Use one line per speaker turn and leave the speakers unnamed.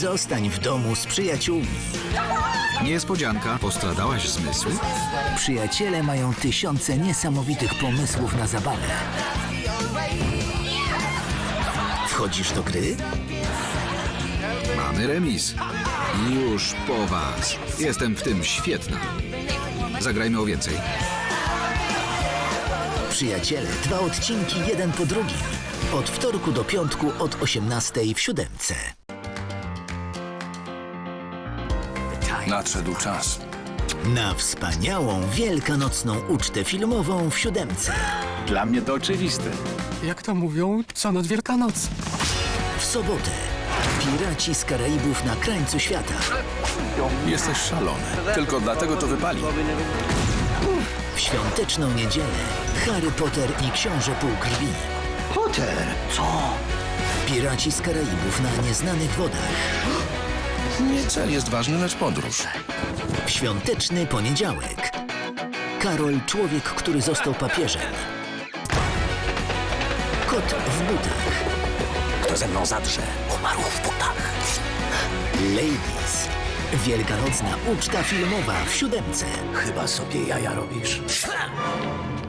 Zostań w domu z przyjaciółmi.
Niespodzianka, postradałaś zmysły?
Przyjaciele mają tysiące niesamowitych pomysłów na zabawę. Wchodzisz do gry?
Mamy remis. Już po was. Jestem w tym świetna. Zagrajmy o więcej.
Przyjaciele, 2 odcinki, jeden po drugim. Od wtorku do piątku od 18:00 w Siódemce.
Nadszedł czas.
Na wspaniałą wielkanocną ucztę filmową w Siódemce.
Dla mnie to oczywiste.
Jak to mówią, co noc Wielkanoc.
W sobotę Piraci z Karaibów na krańcu świata.
Jesteś szalony. Tylko dlatego to wypali.
W świąteczną niedzielę Harry Potter i Książę Półkrwi.
Potter, co?
Piraci z Karaibów na nieznanych wodach.
Nie cel jest ważny, lecz podróż.
W świąteczny poniedziałek Karol, człowiek, który został papieżem. Kot w butach.
Kto ze mną zadrze, umarł w butach.
Ladies. Wielkanocna uczta filmowa w Siódemce.
Chyba sobie jaja robisz.